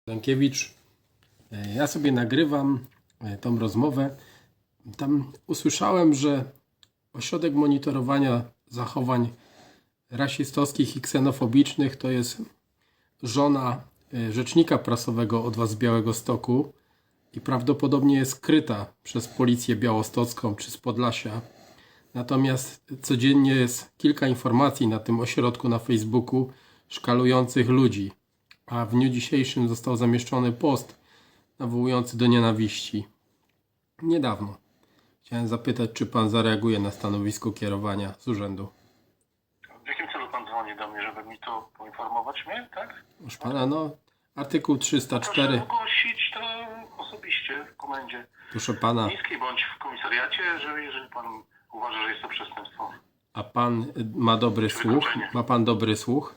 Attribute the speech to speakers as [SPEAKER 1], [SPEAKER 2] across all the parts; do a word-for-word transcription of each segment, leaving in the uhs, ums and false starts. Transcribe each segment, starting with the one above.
[SPEAKER 1] Stankiewicz. Ja sobie nagrywam tą rozmowę. Tam usłyszałem, że Ośrodek Monitorowania Zachowań Rasistowskich i Ksenofobicznych to jest żona rzecznika prasowego Odwa z Białegostoku i prawdopodobnie jest skryta przez policję białostocką czy z Podlasia. Natomiast codziennie jest kilka informacji na tym ośrodku na Facebooku szkalujących ludzi. A w dniu dzisiejszym został zamieszczony post nawołujący do nienawiści. Niedawno. Chciałem zapytać, czy pan zareaguje na stanowisko kierowania z urzędu.
[SPEAKER 2] W jakim celu pan dzwoni do mnie, żeby mi to poinformować mnie, tak?
[SPEAKER 1] Proszę pana, no, artykuł trzysta cztery.
[SPEAKER 2] Proszę ogłosić to osobiście w komendzie
[SPEAKER 1] Proszę pana,
[SPEAKER 2] miejskiej bądź w komisariacie, że jeżeli pan uważa, że jest to przestępstwo.
[SPEAKER 1] a pan ma dobry słuch? Ma pan dobry słuch?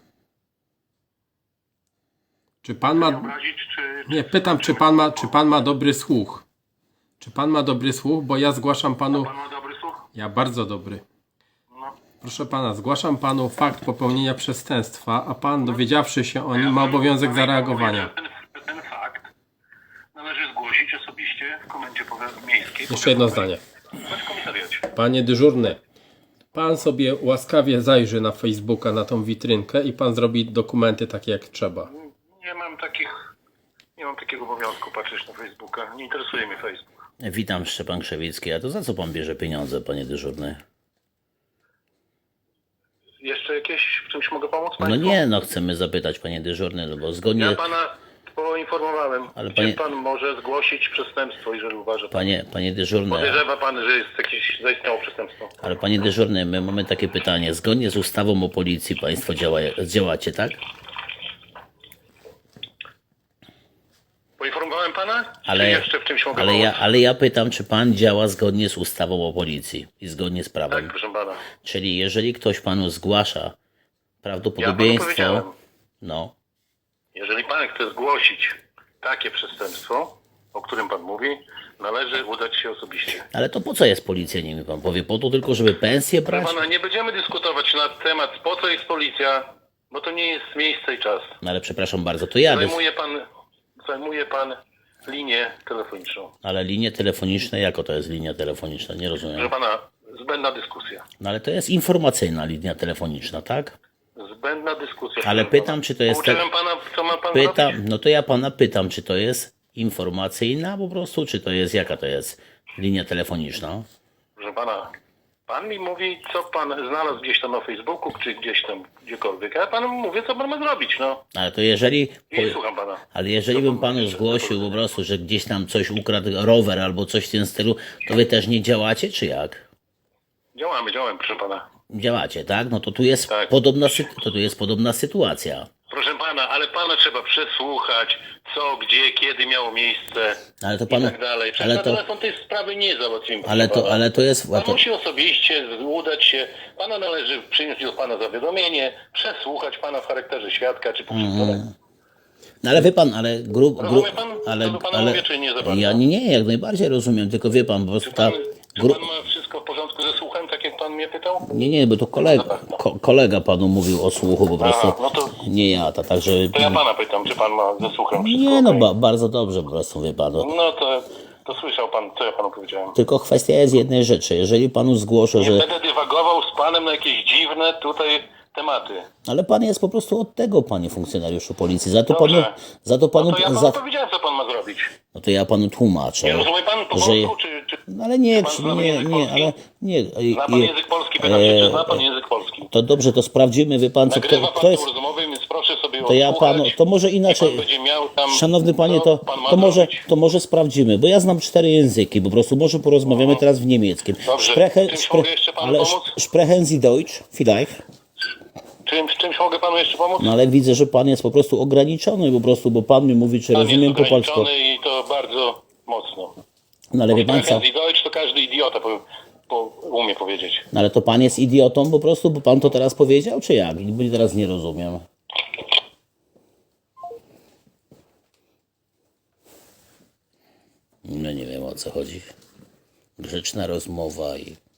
[SPEAKER 1] Czy pan
[SPEAKER 2] Nie
[SPEAKER 1] ma...
[SPEAKER 2] obrazić, czy...
[SPEAKER 1] Nie, pytam, czy pan ma, czy pan ma dobry słuch? Czy pan ma dobry słuch? Bo ja zgłaszam panu...
[SPEAKER 2] Pan ma dobry słuch?
[SPEAKER 1] Ja bardzo dobry.
[SPEAKER 2] No.
[SPEAKER 1] Proszę pana, zgłaszam panu fakt popełnienia przestępstwa, a pan, dowiedziawszy się o nim, ma obowiązek zareagowania.
[SPEAKER 2] Ten, ten fakt należy zgłosić osobiście w komendzie powiat- miejskiej.
[SPEAKER 1] Jeszcze jedno zdanie.
[SPEAKER 2] Bądź w komisariacie.
[SPEAKER 1] Panie dyżurny, pan sobie łaskawie zajrzy na Facebooka, na tą witrynkę i pan zrobi dokumenty takie jak trzeba.
[SPEAKER 2] Nie mam takich... Nie mam takiego obowiązku patrzeć na Facebooka. Nie interesuje mnie Facebook.
[SPEAKER 3] Witam, Szczepan Krzewicki. A to za co pan bierze pieniądze, panie dyżurny?
[SPEAKER 2] Jeszcze jakieś w czymś mogę pomóc
[SPEAKER 3] No
[SPEAKER 2] państwu?
[SPEAKER 3] nie, no chcemy zapytać, panie dyżurny, no bo zgodnie...
[SPEAKER 2] Ja pana poinformowałem,
[SPEAKER 3] Ale
[SPEAKER 2] gdzie
[SPEAKER 3] panie-
[SPEAKER 2] pan może zgłosić przestępstwo, jeżeli uważa pan.
[SPEAKER 3] Panie, panie dyżurny,
[SPEAKER 2] Podejrzewa pan, że jest jakieś zaistniało przestępstwo.
[SPEAKER 3] ale panie dyżurny, my mamy takie pytanie. Zgodnie z ustawą o policji państwo działa, działacie, tak?
[SPEAKER 2] Poinformowałem pana?
[SPEAKER 3] Ale,
[SPEAKER 2] Czy jeszcze w czymś mogę
[SPEAKER 3] ale, ja,
[SPEAKER 2] pomóc?
[SPEAKER 3] ale ja pytam, czy pan działa zgodnie z ustawą o policji i zgodnie z
[SPEAKER 2] Tak,
[SPEAKER 3] prawem.
[SPEAKER 2] proszę pana.
[SPEAKER 3] Czyli jeżeli ktoś panu zgłasza
[SPEAKER 2] Ja panu
[SPEAKER 3] prawdopodobieństwo...
[SPEAKER 2] powiedziałem,
[SPEAKER 3] No,
[SPEAKER 2] jeżeli pan chce zgłosić takie przestępstwo, o którym pan mówi, należy udać się osobiście.
[SPEAKER 3] ale to po co jest policja, nie mi pan powie? Po to tylko, żeby pensję
[SPEAKER 2] Proszę
[SPEAKER 3] brać?
[SPEAKER 2] pana, nie będziemy dyskutować na temat, po co jest policja, bo to nie jest miejsce i czas.
[SPEAKER 3] No ale przepraszam bardzo, to ja... Dys...
[SPEAKER 2] Zajmuje pan, zajmuje pan linię telefoniczną.
[SPEAKER 3] Ale linie telefoniczne, jako to jest linia telefoniczna? Nie
[SPEAKER 2] Proszę
[SPEAKER 3] rozumiem.
[SPEAKER 2] pana, zbędna dyskusja.
[SPEAKER 3] No ale to jest informacyjna linia telefoniczna, tak?
[SPEAKER 2] Zbędna dyskusja.
[SPEAKER 3] Ale
[SPEAKER 2] proszę
[SPEAKER 3] pytam,
[SPEAKER 2] pana.
[SPEAKER 3] czy to jest
[SPEAKER 2] Pouczyłem
[SPEAKER 3] tak-
[SPEAKER 2] pana, co ma pan
[SPEAKER 3] Pytam,
[SPEAKER 2] robić?
[SPEAKER 3] no to ja pana pytam, czy to jest informacyjna po prostu, czy to jest, jaka to jest linia telefoniczna?
[SPEAKER 2] Proszę pana, pan mi mówi, co pan znalazł gdzieś tam na Facebooku, czy gdzieś tam gdziekolwiek. A ja panu mówię, co pan ma zrobić, no.
[SPEAKER 3] Ale to jeżeli...
[SPEAKER 2] I słucham pana.
[SPEAKER 3] Ale jeżeli bym panu zgłosił po prostu, że gdzieś tam coś ukradł rower albo coś w tym stylu, to wy też nie działacie, czy jak?
[SPEAKER 2] Działamy, działamy, proszę pana.
[SPEAKER 3] Działacie, tak? No to tu jest
[SPEAKER 2] Tak.
[SPEAKER 3] podobna, sy- to tu jest podobna sytuacja.
[SPEAKER 2] Proszę pana, ale pana trzeba przesłuchać, co, gdzie, kiedy miało miejsce
[SPEAKER 3] Ale to
[SPEAKER 2] i
[SPEAKER 3] panu...
[SPEAKER 2] tak dalej. Przez
[SPEAKER 3] Ale
[SPEAKER 2] na
[SPEAKER 3] to...
[SPEAKER 2] telefon tej sprawy nie załatwimy.
[SPEAKER 3] Ale
[SPEAKER 2] proszę
[SPEAKER 3] to,
[SPEAKER 2] pana.
[SPEAKER 3] ale to jest... a
[SPEAKER 2] Pan
[SPEAKER 3] to...
[SPEAKER 2] musi osobiście udać się, pana należy przyjąć do pana zawiadomienie, przesłuchać pana w charakterze świadka czy pokrzywdzonego.
[SPEAKER 3] No ale wie pan, ale grup... Gru,
[SPEAKER 2] Rozumie pan,
[SPEAKER 3] ale,
[SPEAKER 2] co do pana
[SPEAKER 3] ale,
[SPEAKER 2] mówię, czy nie za bardzo?
[SPEAKER 3] ja nie, nie, jak najbardziej rozumiem, tylko wie pan, po prostu
[SPEAKER 2] Czy
[SPEAKER 3] ta...
[SPEAKER 2] pan, czy
[SPEAKER 3] Gru,
[SPEAKER 2] pan ma wszystko w porządku ze słuchem, tak jak pan mnie pytał?
[SPEAKER 3] nie, nie, bo to kolega, ko, kolega panu mówił o słuchu po prostu,
[SPEAKER 2] Aha, no to-
[SPEAKER 3] nie ja, to także...
[SPEAKER 2] To ja pana pytam, czy pan ma ze słuchem wszystko
[SPEAKER 3] Nie, no
[SPEAKER 2] okej?
[SPEAKER 3] ba, bardzo dobrze po prostu, wie pan. No.
[SPEAKER 2] No to, to słyszał pan, co ja panu powiedziałem.
[SPEAKER 3] Tylko kwestia jest jednej rzeczy, jeżeli panu zgłoszę,
[SPEAKER 2] Nie
[SPEAKER 3] że...
[SPEAKER 2] będę dywagował z panem na jakieś dziwne tutaj tematy.
[SPEAKER 3] Ale pan jest po prostu od tego, panie funkcjonariuszu policji, za to
[SPEAKER 2] Dobrze.
[SPEAKER 3] panu... Za to panu...
[SPEAKER 2] No to ja panu
[SPEAKER 3] za,
[SPEAKER 2] powiedziałem, co pan ma zrobić.
[SPEAKER 3] no to ja panu tłumaczę,
[SPEAKER 2] Nie rozumie pan po
[SPEAKER 3] że...
[SPEAKER 2] polsku, czy... czy...
[SPEAKER 3] No ale nie,
[SPEAKER 2] Pan
[SPEAKER 3] czy-
[SPEAKER 2] zna
[SPEAKER 3] nie,
[SPEAKER 2] język
[SPEAKER 3] nie,
[SPEAKER 2] polski?
[SPEAKER 3] ale nie...
[SPEAKER 2] Zna pan
[SPEAKER 3] i-
[SPEAKER 2] język polski, pytam się, czy zna pan
[SPEAKER 3] e,
[SPEAKER 2] język polski.
[SPEAKER 3] To dobrze, to sprawdzimy, wie pan, co
[SPEAKER 2] Nagrywa
[SPEAKER 3] kto,
[SPEAKER 2] pan
[SPEAKER 3] kto
[SPEAKER 2] tę
[SPEAKER 3] jest...
[SPEAKER 2] rozmowę, więc proszę sobie
[SPEAKER 3] To ja
[SPEAKER 2] odsłuchać.
[SPEAKER 3] panu, to może
[SPEAKER 2] I
[SPEAKER 3] inaczej,
[SPEAKER 2] pan będzie miał tam,
[SPEAKER 3] szanowny panie,
[SPEAKER 2] co
[SPEAKER 3] to,
[SPEAKER 2] pan ma
[SPEAKER 3] to, może,
[SPEAKER 2] zrobić.
[SPEAKER 3] to może sprawdzimy, bo ja znam cztery języki, po prostu może porozmawiamy teraz w niemieckim.
[SPEAKER 2] Dobrze.
[SPEAKER 3] Spreche,
[SPEAKER 2] Czymś mogę jeszcze panu
[SPEAKER 3] ale
[SPEAKER 2] pomóc?
[SPEAKER 3] sprechen Sie Deutsch, vielleicht?
[SPEAKER 2] Czym, czymś mogę panu jeszcze pomóc?
[SPEAKER 3] No ale widzę, że pan jest po prostu ograniczony po prostu, bo pan mi mówi, czy
[SPEAKER 2] Pan
[SPEAKER 3] rozumiem
[SPEAKER 2] jest
[SPEAKER 3] po polsku.
[SPEAKER 2] ograniczony i to bardzo mocno.
[SPEAKER 3] No ale wie pan co,
[SPEAKER 2] Sprechen Sie Deutsch to każdy idiota po, po, umie powiedzieć.
[SPEAKER 3] no ale to pan jest idiotą po prostu, bo pan to teraz powiedział, czy jak? Bo teraz nie rozumiem. No nie wiem, o co chodzi. Grzeczna rozmowa i...